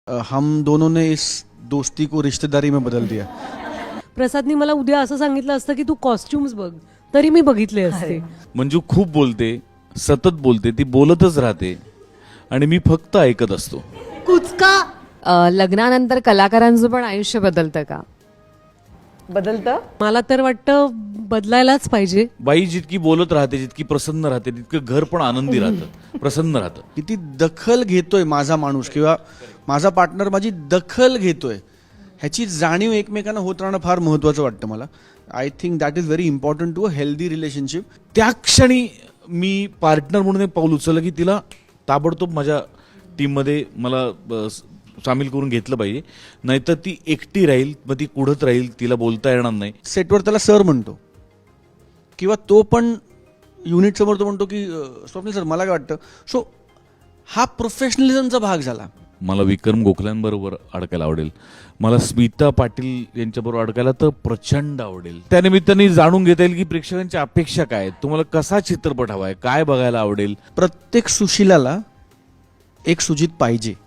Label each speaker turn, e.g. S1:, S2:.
S1: हम दोनों ने इस दोस्ती को रिश्तेदारी में बदल दिया.
S2: प्रसादनी मला उद्या असं सांगितलं असतं की तू कॉस्ट्युम्स बघ, तरी मी बघितले असते.
S3: मंजू खूप बोलते, सतत बोलते, ती बोलतच राहते आणि मी फक्त ऐकत असतो.
S2: कुचका.
S4: लग्नानंतर कलाकारांचं पण आयुष्य बदलतं का?
S5: बदलतं.
S2: मला तर वाटतं बदलायलाच पाहिजे.
S3: बाई जितकी बोलत राहते, जितकी प्रसन्न राहते, तितकं घर पण आनंदी राहतं, प्रसन्न राहतं.
S1: किती दखल घेतोय माझा माणूस किंवा माझा पार्टनर माझी दखल घेतोय ह्याची जाणीव एकमेकांना होत राहणं फार महत्त्वाचं वाटतं मला. I think that is very important to a healthy relationship.
S3: त्या क्षणी मी पार्टनर म्हणून एक पाऊल उचललं की तिला ताबडतोब माझ्या टीममध्ये मला सामील करून घेतलं पाहिजे, नाहीतर ती एकटी राहील, मग ती कुढत राहील, तिला बोलता येणार नाही.
S1: सेटवर त्याला सर म्हणतो किंवा तो पण युनिट समोर तो म्हणतो की स्वप्नील सर मला काय वाटतं. सो हा प्रोफेशनलिझमचा भाग झाला.
S3: मला विक्रम गोखल्यांबरोबर अडकायला आवडेल, मला स्मिता पाटील यांच्याबरोबर अडकायला तर प्रचंड आवडेल. त्यानिमित्ताने जाणून घेता येईल की प्रेक्षकांच्या अपेक्षा काय आहेत, तुम्हाला कसा चित्रपट हवाय, काय बघायला आवडेल.
S1: प्रत्येक सुशिलाला एक सुजित पाहिजे.